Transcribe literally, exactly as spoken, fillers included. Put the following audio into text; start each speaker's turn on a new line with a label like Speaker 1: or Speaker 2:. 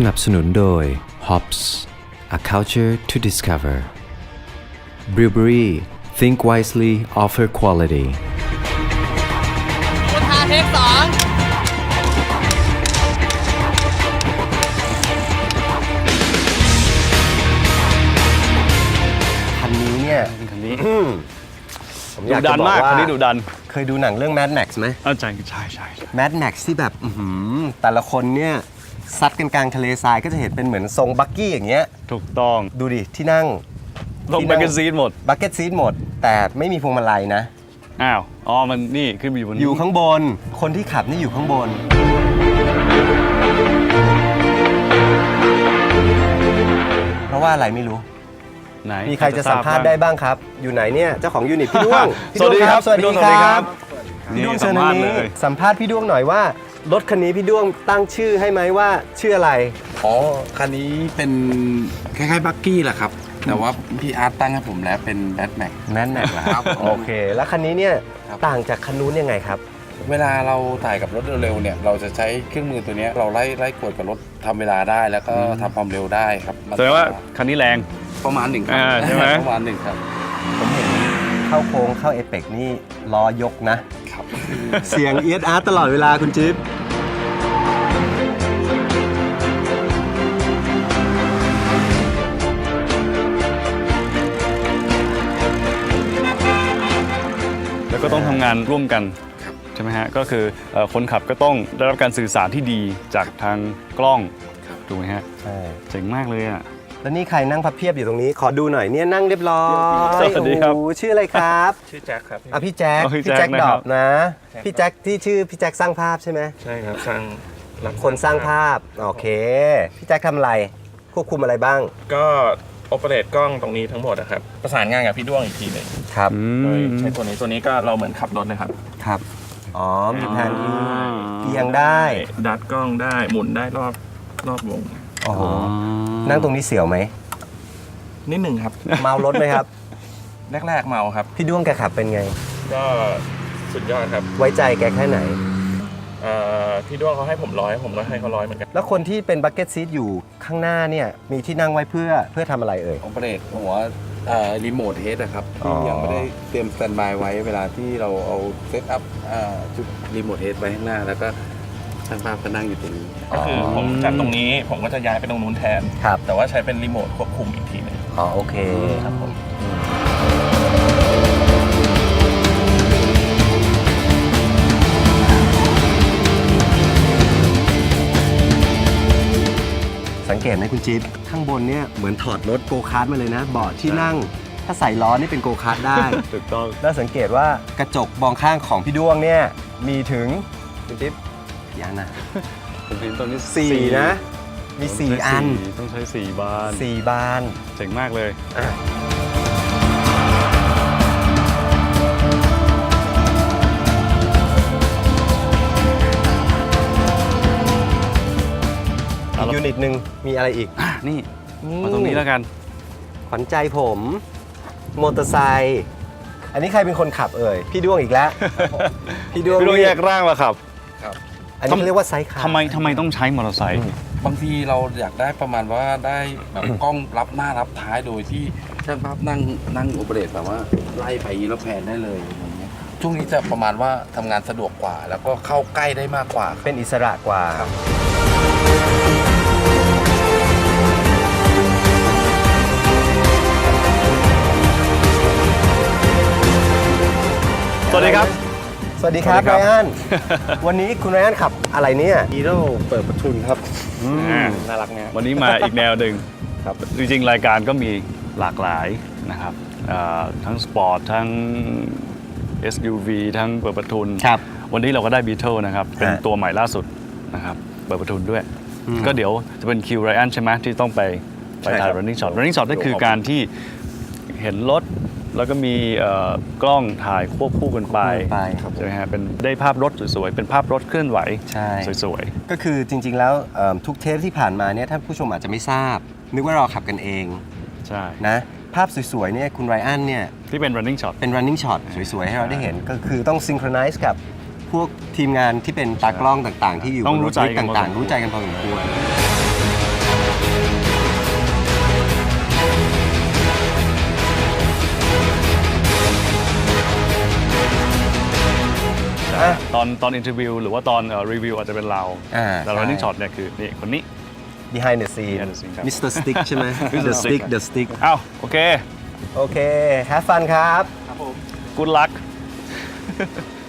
Speaker 1: นับสนุนโดย Hops A Culture to Discover Brewery Think Wisely Offer Quality
Speaker 2: คุณทาเทคสอง
Speaker 1: คันนี้เนี่ย
Speaker 3: คันนี้
Speaker 1: ผมอ
Speaker 3: ดุ
Speaker 1: ยาก
Speaker 3: ดั
Speaker 1: จะ
Speaker 3: น
Speaker 1: บอก
Speaker 3: มาก
Speaker 1: ว่า
Speaker 3: คันนี้ดุดัน
Speaker 1: เคยดูหนังเรื่อง Mad Max ไหม
Speaker 3: อ่าใช่ใช่ใช่
Speaker 1: Mad Max ที่แบบอื้อหือแต่ละคนเนี่ยซัดกันกลางทะเลทรายก็จะเห็นเป็นเหมือนทรงบักกี้อย่างเงี้ย
Speaker 3: ถูกต้อง
Speaker 1: ดูดิที่นั่ง
Speaker 3: ลงแบกเกนซีดหมด
Speaker 1: บักเก็ตซีทหมด แต่ไม่มีพวงมาลัยนะ
Speaker 3: อ้าว อ๋อ มันนี่ขึ้นไปอยู่บน
Speaker 1: อยู่ข้างบน คนที่ขับนี่อยู่ข้างบน เพราะว่าอะไรไม่รู้
Speaker 3: ไหน
Speaker 1: มีใครจะสัมภาษณ์ได้บ้างครับ อยู่ไหนเนี่ย เจ้าของยูนิตพี่ด้วงพี่
Speaker 3: สวัสดีครับ
Speaker 1: สวัสดี
Speaker 3: พี่ด้วง
Speaker 1: ค
Speaker 3: สวัสดี
Speaker 1: รั
Speaker 3: ครับ บ
Speaker 1: พี่ด้วง
Speaker 3: นี่
Speaker 1: เชิญทางนี้
Speaker 3: สัมภาษณ์เลย
Speaker 1: สัมภาษณ์พี่ด้วงหน่อยว่ารถคันนี้พี่ด้วงตั้งชื่อให้ไหมว่าชื่ออะไร
Speaker 4: อ๋อ คันนี้เป็นคล้ายๆบักกี้แหละครับ แต่ว่าพี่อาร์ตตั้งให้ผมแล้วเป็นแบทแม็ก
Speaker 1: แม่นแม็กเหรอครับ โอเค แล้วคันนี้เนี่ย
Speaker 4: ครับ
Speaker 1: ต่างจากคันนู้นยังไงครับ
Speaker 4: เวลาเราถ่ายกับรถเร็วๆเนี่ย เราจะใช้เครื่องมือตัวเนี้ยเราไล่ไล่กวดกับรถทำเวลาได้แล้วก็ทำความเร็วได้ครับมัน
Speaker 3: แสดงว่าคันนี้แรง
Speaker 4: ประมาณหนึ่งครั
Speaker 3: อ่าใช่ไหม
Speaker 4: ประมาณหนึ่งครับ
Speaker 1: ผมเห็นเข้าโค้งเข้าเอเปกนี่ล้อยกนะ
Speaker 4: ครับ
Speaker 1: เสียงเอียดอาร์ตตลอดเวลาคุณจิ๊บ
Speaker 3: แล้วก็ต้องทำงานร่วมกันใช่ไหมฮะ ก็คือเอ่อคนขับก็ต้องได้รับการสื่อสารที่ดีจากทางกล้องถูกไหมฮะ
Speaker 1: ใช่
Speaker 3: เจ๋งมากเลยอ่ะ
Speaker 1: แล้วนี่ใครนั่งพับเพียบอยู่ตรงนี้ ขอดูหน่อยเนี่ยนั่งเรียบร้อย
Speaker 3: สวัสดีครับ
Speaker 1: โอ้โหชื่ออะไรครับ
Speaker 5: ชื่อแจ็คครับ
Speaker 1: อ่ะพี่แจ็ค
Speaker 3: อ๋อพี่
Speaker 1: พี่
Speaker 3: แจ็
Speaker 1: แจ็
Speaker 3: ค
Speaker 1: ค
Speaker 3: นะ
Speaker 1: ด
Speaker 3: ค
Speaker 1: อ
Speaker 3: รับ
Speaker 1: บนะ พี่แจ็คที่ชื่อพี่แจ็คสร้างภาพใช่ไหม
Speaker 5: ใช่ครับสร้างรับ
Speaker 1: คนสร้างภาพโอเคพี่แจ็คทำอะไรควบคุมอะไรบ้าง
Speaker 5: ก็โอเปเรตกล้องตรงนี้ทั้งหมดนะครับ ประสานงานกับพี่ด้วงอีกทีหนึ่ง
Speaker 1: ครับ
Speaker 3: อื
Speaker 5: โดย
Speaker 3: ม
Speaker 5: ใช้ตัวนี้ตัวนี้ก็เราเหมือนขับรถเลยครับ
Speaker 1: ครับอ๋อมีแผนที่
Speaker 3: อ่า
Speaker 1: เอียงได้
Speaker 5: ดัดกล้องได้หมุนได้รอบรอบวง
Speaker 1: โอ้โหนั่งตรงนี้เสียวไหม
Speaker 5: นิดหนึ่งครับ
Speaker 1: เมารถไหมครับ
Speaker 5: แรกๆเมาครับ
Speaker 1: พี่ด้วงแกขับเป็นไง
Speaker 5: ก็สุดยอดครับ
Speaker 1: ไว้ใจแกแค่ไหน
Speaker 5: เอ่อพี่ด้วงเขาให้ผมร้อยผมก็ให้เขาร้อยเหมือนกัน
Speaker 1: แล้วคนที่เป็นบักเก็ตซีทอยู่ข้างหน้าเนี่ยมีที่นั่งไว้เพื่อเพื่อทำอะไรเอ่ย
Speaker 4: โอเปเรตหัวรีโมทเฮดนะครับ
Speaker 1: อ๋อ
Speaker 4: ที่ยังไม่ได้เตรียมสแตนบายไว้เวลาที่เราเอาเซตอัพชุดรีโมทเฮดไว้ข้างหน้า แล้วก็ช่างภาพก็นั่งอยู่ตรงนี้
Speaker 5: ก็คือผมจากตรงนี้ผมก็จะย้ายไปตรงนู้นแทน
Speaker 1: ครับ
Speaker 5: แต่ว่าใช้เป็นรีโมทควบคุมอีกทีหนึง
Speaker 1: อ๋อโอเค
Speaker 5: ครับผม
Speaker 1: สังเกตไหมคุณจิ๊บข้างบนเนี่ยเหมือนถอดรถโกคาร์ทมาเลยนะเบาะที่นั่ง ถ้าใส่ล้อนี่เป็นโกคาร์ทได้
Speaker 3: ถูกต้อง
Speaker 1: แล้วสังเกตว่ากระจกมองข้างของพี่ด้วงเนี่ยมีถึงคุณจิ๊บกี่อันนะ
Speaker 3: ผมเห็นตรงนี้
Speaker 1: สี่นะ มีสี่อัน
Speaker 3: ต้องใช้สี่บาน
Speaker 1: สี่บาน
Speaker 3: เจ๋งมากเลย
Speaker 1: อ่ะ อีกยูนิตหนึ่งมีอะไรอีก
Speaker 3: อ่ะนี่ มาตรงนี้แล้วกัน
Speaker 1: ขวัญใจผมมอเตอร์ไซค์อันนี้ใครเป็นคนขับเอ่ย พี่ด้วงอีกแล้ว พี่ด้วง
Speaker 3: พี่ต้อง
Speaker 1: นี่
Speaker 3: แยกร่างมาครับ
Speaker 1: อันนี้เขาเรียกว่าไซค์คาร์
Speaker 3: ทำไมทำไมต้องใช้มอเตอร์ไซค์
Speaker 4: บางทีเราอยากได้ประมาณว่าได้แบบกล้องรับหน้ารับท้ายโดยที่ช่างภาพนั่งนั่งโอเปเรตแบบว่าไล่ไปแล้วแพนได้เลยอะไรเงี้ยช่วงนี้จะประมาณว่าทำงานสะดวกกว่า แล้วก็เข้าใกล้ได้มากกว่าครับ
Speaker 1: เป็นอิสระกว่า
Speaker 3: สวัสดีครับ
Speaker 1: สวัสดีครับ
Speaker 3: สวัสดีครับ
Speaker 1: ไรอัน วันนี้คุณไรอันขับอะไรเนี่ย
Speaker 5: ฮีโร่เปิดประทุนครับ
Speaker 3: อ่า
Speaker 5: น่ารักเนี่ย
Speaker 3: วันนี้มาอีกแนวหนึ่งครับจริงๆ รายการก็มีหลากหลายนะครับเอ่อทั้งสปอร์ต ทั้ง เอส ยู วี ทั้งเปิดประทุน
Speaker 1: ครับ
Speaker 3: วันนี้เราก็ได้บีเทิลนะครับ เป็น
Speaker 1: ฮะ
Speaker 3: ตัวใหม่ล่าสุดนะครับ เปิดประทุนด้วย
Speaker 1: อืม
Speaker 3: ก็เดี๋ยวจะเป็นคิวไรอันใช่ไหมที่ต้องไปไป
Speaker 5: ใช่ครั
Speaker 3: ถ่าย
Speaker 5: บ
Speaker 3: running shot running shot นั่นคือการที่เห็นรถ แล้วก็มีเอ่อกล้องถ่ายควบคู่กันไป
Speaker 1: ไป
Speaker 3: ใช่ไหมฮะเป็นได้ภาพรถสวยๆ เป็นภาพรถเคลื่อนไหว
Speaker 1: ใช่
Speaker 3: สวย
Speaker 1: ก็คือจริง ๆ แล้วเอิ่มทุกเทปที่ผ่านมาเนี่ยท่านผู้ชมอาจจะไม่ทราบ นึกว่าเราขับกันเอง
Speaker 3: ๆ ใช่
Speaker 1: นะภาพสวย ๆ เนี่ยคุณไรอันเนี่ย
Speaker 3: ที่เป็น running shot
Speaker 1: เป็น running shot สวย ๆ ให้เราได้เห็นก็คือต้อง synchronize กับพวกทีมงานที่เป็นตากล้องต่าง ๆ ที่อยู่
Speaker 3: ต้อง
Speaker 1: บน
Speaker 3: รู้ใจกันพอ
Speaker 1: ต่าง
Speaker 3: สมควร
Speaker 1: ๆ รู้ใจกันพอสมควร
Speaker 3: อนตอนอินเทอร์วิวหรือว่าตอนรีวิวอาจจะเป็นเรา
Speaker 2: อ่า
Speaker 3: แต่ running shot เนี่ยคือนี่คนนี้
Speaker 2: behind the scene
Speaker 3: Behind the scene ครับ
Speaker 2: มิสเตอร์ Stick ใช่ไหม
Speaker 3: มิสเตอร์
Speaker 2: The Stick
Speaker 3: Stick
Speaker 2: The Stick
Speaker 3: อ้าวโอเค
Speaker 2: โอเค have fun ครับ
Speaker 3: good luck